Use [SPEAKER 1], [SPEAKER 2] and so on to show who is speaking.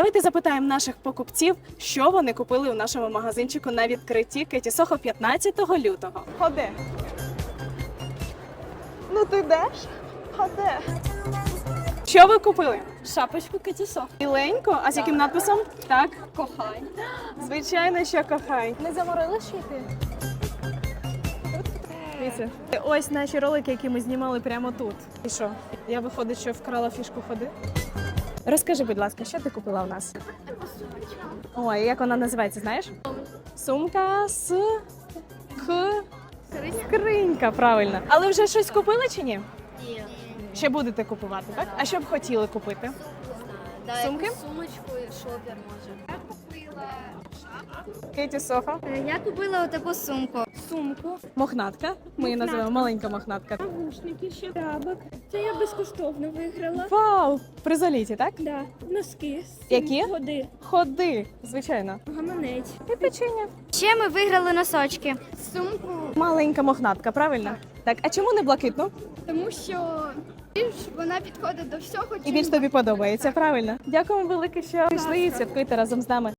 [SPEAKER 1] Давайте запитаємо наших покупців, що вони купили у нашому магазинчику на відкритті Кеті Сохо 15 лютого. Ходи. Ну ти йдеш? Ходи. Що ви купили?
[SPEAKER 2] Шапочку Кеті Сохо.
[SPEAKER 1] Біленьку? А з яким надписом? Так.
[SPEAKER 2] Кохай.
[SPEAKER 1] Звичайно, що кохай.
[SPEAKER 2] Не заморили шити?
[SPEAKER 1] Дивіться. Ось наші ролики, які ми знімали прямо тут. І що? Я виходить, що вкрала фішку ходи. Розкажи, будь ласка, що ти купила у нас? Ой, як вона називається, знаєш? Сумка з скринька, правильно. Але вже щось купили чи ні?
[SPEAKER 3] Ні.
[SPEAKER 1] Ще будете купувати, так? А що б хотіли купити? Сумки?
[SPEAKER 3] Сумочку і шопер може. Я купила
[SPEAKER 1] Кеті Сохо.
[SPEAKER 3] Я купила отаку сумку.
[SPEAKER 2] Сумку,
[SPEAKER 1] Мохнатка. Ми її називаємо маленька мохнатка.
[SPEAKER 2] навушники, ще трабок. Це я безкоштовно виграла.
[SPEAKER 1] Вау! При заліті, так?
[SPEAKER 2] Да, носки.
[SPEAKER 1] Які?
[SPEAKER 2] Води.
[SPEAKER 1] Ходи, звичайно.
[SPEAKER 2] Гаманець.
[SPEAKER 1] І печення.
[SPEAKER 3] Ще ми виграли носочки. Сумку,
[SPEAKER 1] Маленька мохнатка, правильно? Так, а чому не блакитну?
[SPEAKER 3] тому що більш вона підходить до всього.
[SPEAKER 1] І більш тобі подобається, правильно? Дякуємо велике, що прийшли і святкуєте разом з нами.